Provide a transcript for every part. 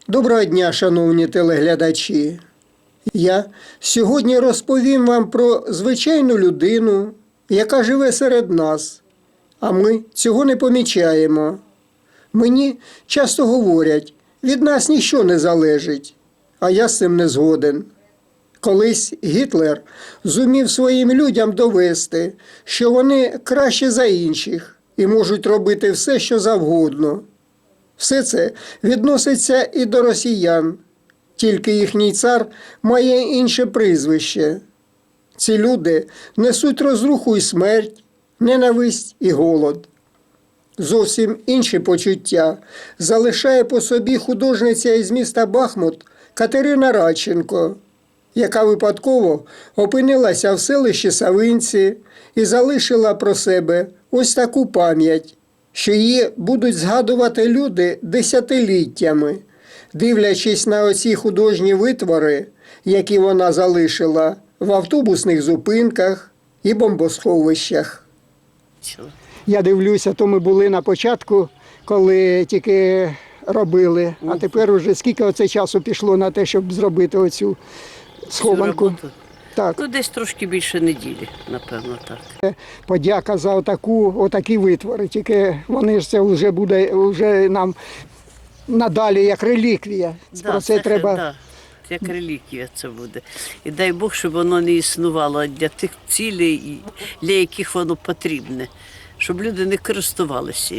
Доброго дня, шановні телеглядачі. Я сьогодні розповім вам про звичайну людину, яка живе серед нас, а ми цього не помічаємо. Мені часто говорять, від нас ніщо не залежить, а я з цим не згоден. Колись Гітлер зумів своїм людям довести, що вони краще за інших і можуть робити все, що завгодно. Все це відноситься і до росіян, тільки їхній цар має інше прізвище. Ці люди несуть розруху і смерть, ненависть і голод. Зовсім інші почуття залишає по собі художниця із міста Бахмут Катерина Радченко, яка випадково опинилася в селищі Савинці і залишила про себе ось таку пам'ять, що її будуть згадувати люди десятиліттями, дивлячись на оці художні витвори, які вона залишила в автобусних зупинках і бомбосховищах. Я дивлюся, то ми були на початку, коли тільки робили, а тепер уже скільки оце часу пішло на те, щоб зробити оцю схованку. Так. Ну, десь трошки більше неділі, напевно, так. Подяка за отакі витвори, тільки вони ж це вже буде вже нам надалі як реліквія. Про це треба. Да, як реліквія це буде. І дай Бог, щоб воно не існувало для тих цілей, для яких воно потрібне. Щоб люди не користувалися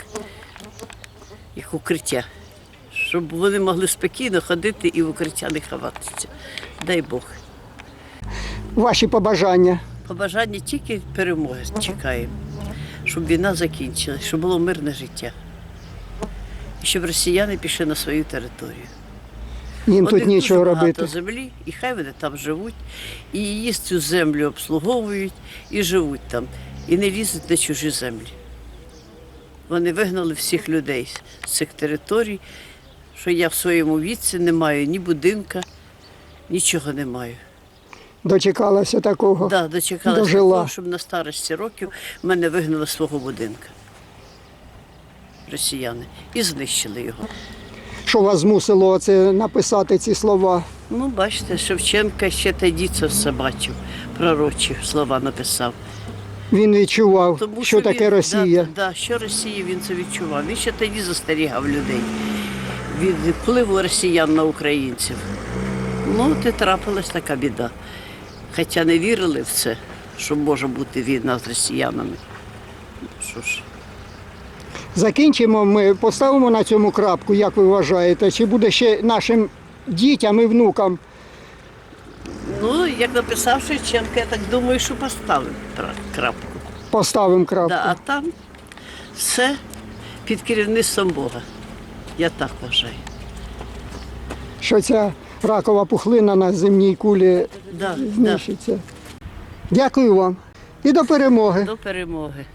як укриття. Щоб вони могли спокійно ходити і в укриття не ховатися. Дай Бог. Ваші побажання? Побажання тільки перемоги чекаємо. Щоб війна закінчилась, щоб було мирне життя. І щоб росіяни пішли на свою територію. Їм тут нічого робити. Багато землі, і хай вони там живуть, і її цю землю обслуговують, і живуть там, і не лізуть на чужі землі. Вони вигнали всіх людей з цих територій, що я в своєму віці не маю ні будинка, нічого не маю. Дочекалася такого? Так, дочекалася дожила. того, щоб на старості років мене вигнали з свого будинка. Росіяни. І знищили його. Що вас змусило це написати ці слова? Ну, бачите, Шевченка ще тоді це все бачив, пророчі слова написав. Він відчував, Тому що таке він, Росія. Да, що Росія, він це відчував. Він ще тоді застерігав людей від впливу росіян на українців. Ну, от і трапилась така біда. Хоча не вірили в це, що може бути війна з росіянами. Що ж. Закінчимо, ми поставимо на цьому крапку, як ви вважаєте? Чи буде ще нашим дітям і внукам? Ну, як написав Шевченко, я так думаю, що поставимо крапку. Поставимо крапку. Да, а там все під керівництвом Бога. Я так вважаю. Що ця ракова пухлина на земній кулі Да, знищиться. Дякую вам і до перемоги. До перемоги.